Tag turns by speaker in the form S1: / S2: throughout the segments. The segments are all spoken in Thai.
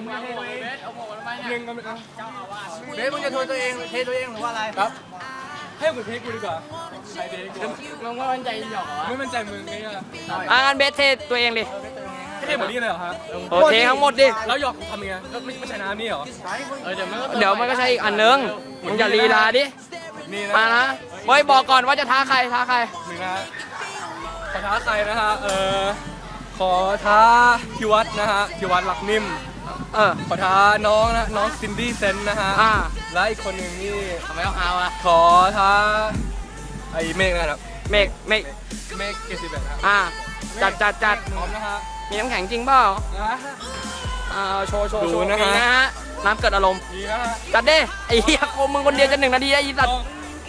S1: มึงจะเทตัวเองเอาหมวกทำไมเนี่ยหนึ่งก็ไม่เอาเบสมึงจะโทษตัวเองเทตัวเองหรือว่าอะไรครับให้กูเทกูดีกว่าใครเทกูมึงไม่มั่นใจหยอกเหรอไม่มั่นใจมึงไงอ่ะ
S2: งั้นเบสเทตัวเองดิ
S1: เทหมดนี่เลยเหรอฮะ
S2: เททั้งหมดดิ
S1: แล้วหยอกทำยังไงก็ไม่ใช่น้ำนี่เหรอ
S2: เดี๋ยวมันก็ใช้อีกอันนึงมึงอย่าลีลาดิ
S1: นี่
S2: มา
S1: นะ
S2: นะเฮ้ยบอกก่อนว่าจะท้าใคร
S1: หนึ่งนะขอท้าใครนะฮะขอท้าพิวัตรนะฮะพิวัตรหลักนิ่มขอท้าน้องนะน้องซินดี้เซนนะฮะและอีกคนหนึ่งนี่
S2: ทำไมต้องเอาอะ
S1: ขอท้าไอ้เมฆนะครับ
S2: เมฆ
S1: เกสิเบตครับ
S2: จัด
S1: พร้อมนะฮะ
S2: มีน้ำแข็งจริงเปล่าโชว์
S1: ดูนะฮะ
S2: มีนะฮะน้ำเกิดอารมณ์
S1: ดีนะฮะ
S2: จัดดิไอ้เหี้ยมึงคนเดียวจะ1 นาทีได้อีสัตว์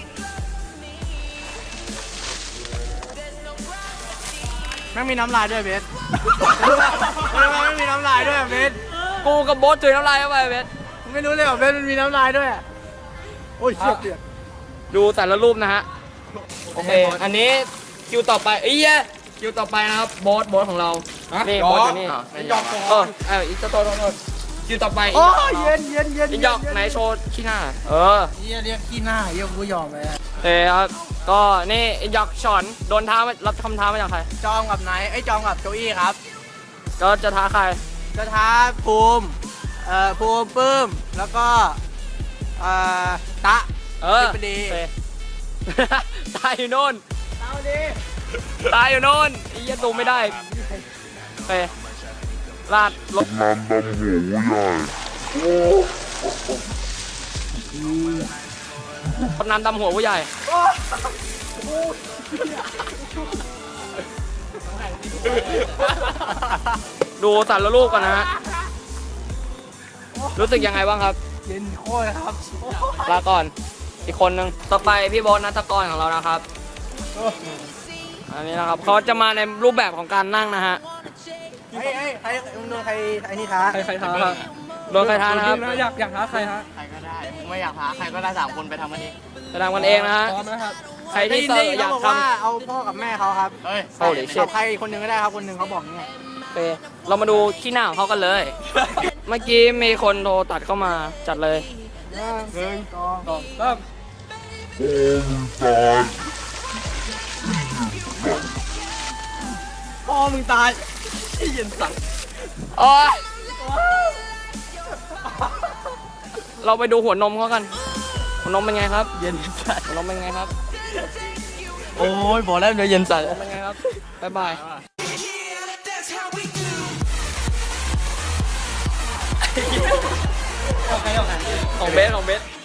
S1: ไม่มีน้ำลายด้วยเบสไม่มีน้ำลายด้วยเบส
S2: กูกับโบ๊ทจุยน้ำลายเข้าไปเบส
S1: ไม่รู้เลยว่าเบสมันมีน้ำลายด้วยโอ้ยเชี่ยเปียก
S2: ดูแต่ละรูปนะฮะโอเคอันนี้คิวต่อไปคิวต่อไปนะครับโบ๊ทของเรานี่โบ๊ทอยู่นี่อีกจะโตคิวต่อไป
S1: โอ้เย็น
S2: อีกหยอกไหนโชว์ขี้หน้า
S1: เรียกขี้หน้ากูยอมเลย
S2: ครับก็นี่อีกหยอกฉอนโดนท้ารับคำท้ามาจากใคร
S1: จองกับไหนไอ้จองกับโจอี้ครับ
S2: ก็จะท้าใคร
S1: จะท้าภูมิปื้มแล้วก็ตะพอดี
S2: ตายอยู่โน่นตายอยู่โน่นไอ้เหี้ยตูไม่ได้ไปลาดลบน้ำดำหูใหญ่น้ำดำหัวผู้ใหญ่ดูสารลูกก่อนนะฮะรู้สึกยังไงบ้างครับ
S1: เย็นโคตรครับ
S2: ลาก่อนอีกคนนึงต่อไปพี่โบ๊ทนัทกรของเรานะครับอันนี้นะครับเขาจะมาในรูปแบบของการนั่งนะฮะ
S1: ใครโดนใครไอ้นี่ท้า
S2: ใครท้าครับโดนใครท้านะครับ
S1: อยากท้าใครฮะ
S3: ใครก็ได้มึงไม่อยากท้าใครก็ได้3 คนไปทำมันเอง
S2: จะทำกันเองนะฮะ
S1: พร้อมนะครับ
S2: ใครที่อยากทำ
S1: เอาพ่อกับแม่เขาครับ
S3: เฮ้ย
S2: โอ้ยเช็ด
S1: ใครคนหนึ่งก็ได้ครับคนหนึ่งเขาบอกเนี่ย
S2: โอเคเรามาดูขี้หน้าของเขากันเลย เมื่อกี้มีคนโทรตัดเข้ามาจัดเลย
S1: 1 2 3พ่อมึงตายไอ้เย็นสั่ง
S2: โอ้ยเราไปดูหัวนมเขากันหัวนมเป็นไงครับ
S1: เย็นสั่น
S2: หัวนมเป็นไงครับ
S1: โอ้ยบอกแล้วเดี๋ยวเย็นสั่น
S2: หัวนมเป็นไงครับบ๊ายบายของเบส